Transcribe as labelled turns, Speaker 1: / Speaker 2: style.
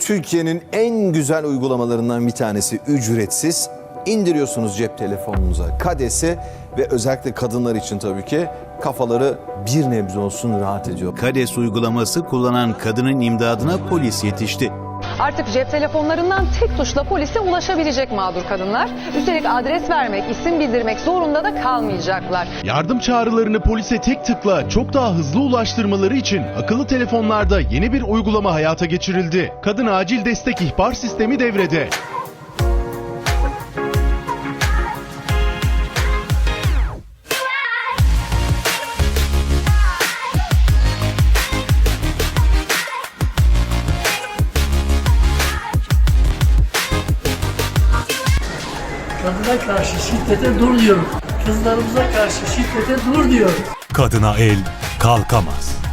Speaker 1: Türkiye'nin en güzel uygulamalarından bir tanesi, ücretsiz. İndiriyorsunuz cep telefonunuza Kades'i ve özellikle kadınlar için tabii ki kafaları bir nebze olsun rahat ediyor.
Speaker 2: Kades uygulaması kullanan kadının imdadına polis yetişti.
Speaker 3: Artık cep telefonlarından tek tuşla polise ulaşabilecek mağdur kadınlar. Üstelik adres vermek, isim bildirmek zorunda da kalmayacaklar.
Speaker 4: Yardım çağrılarını polise tek tıkla çok daha hızlı ulaştırmaları için akıllı telefonlarda yeni bir uygulama hayata geçirildi. Kadın Acil Destek İhbar Sistemi devrede.
Speaker 5: Kadına karşı şiddete dur diyorum. Kızlarımıza karşı şiddete dur diyorum.
Speaker 6: Kadına el kalkamaz.